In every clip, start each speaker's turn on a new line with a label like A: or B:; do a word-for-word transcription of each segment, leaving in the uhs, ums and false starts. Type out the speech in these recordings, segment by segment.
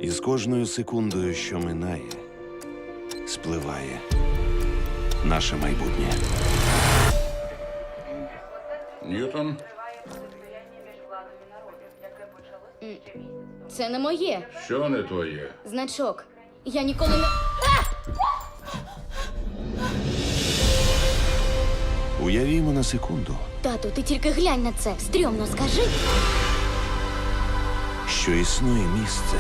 A: І з кожною секундою, що минає, спливає наше майбутнє.
B: Ньютон?
C: Це не моє.
B: Що не твоє?
C: Значок. Я ніколи не.
A: Уявімо на секунду,
C: Тату, ти тільки глянь на це. Стрьомно, скажи.
A: що існує місце,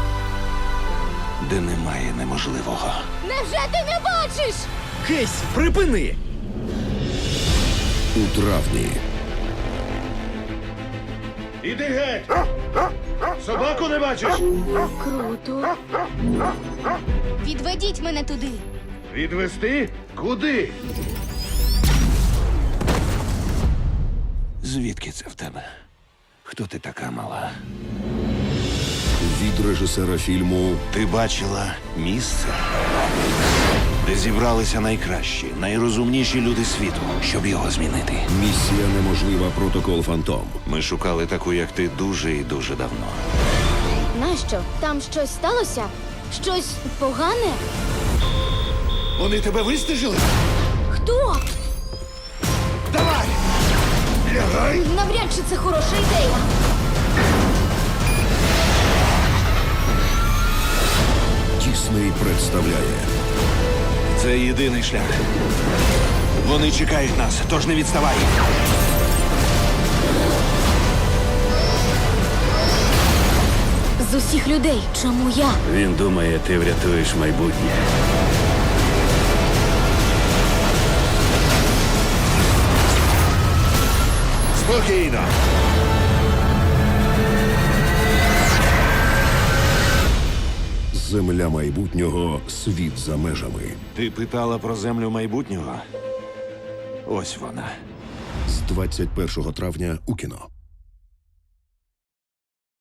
A: де немає неможливого.
C: Невже ти не бачиш?
D: Кейсі, припини!
E: У травні
A: Іди геть! Собаку не бачиш?
C: Круто. Відведіть мене туди.
A: Відвести? Куди? Звідки це в тебе? Хто ти така мала?
E: від режисера фільму
A: Ти бачила місце, де зібралися найкращі, найрозумніші люди світу, щоб його змінити.
E: «Місія неможлива. Протокол Фантом».
A: Ми шукали таку, як ти, дуже і дуже давно.
C: Нащо? Там щось сталося? Щось погане?
A: Вони тебе вистежили?
C: Хто?
A: Давай! Лягай!
C: Навряд чи це хороша ідея.
E: Дісней представляє
A: Це єдиний шлях. Вони чекають нас, тож не відставай.
C: З усіх людей, чому я?
F: Він думає, ти врятуєш майбутнє.
A: Спокійно.
E: «Земля майбутнього. Світ за межами».
A: Ти питала про землю майбутнього? Ось вона.
E: З двадцять першого травня у кіно.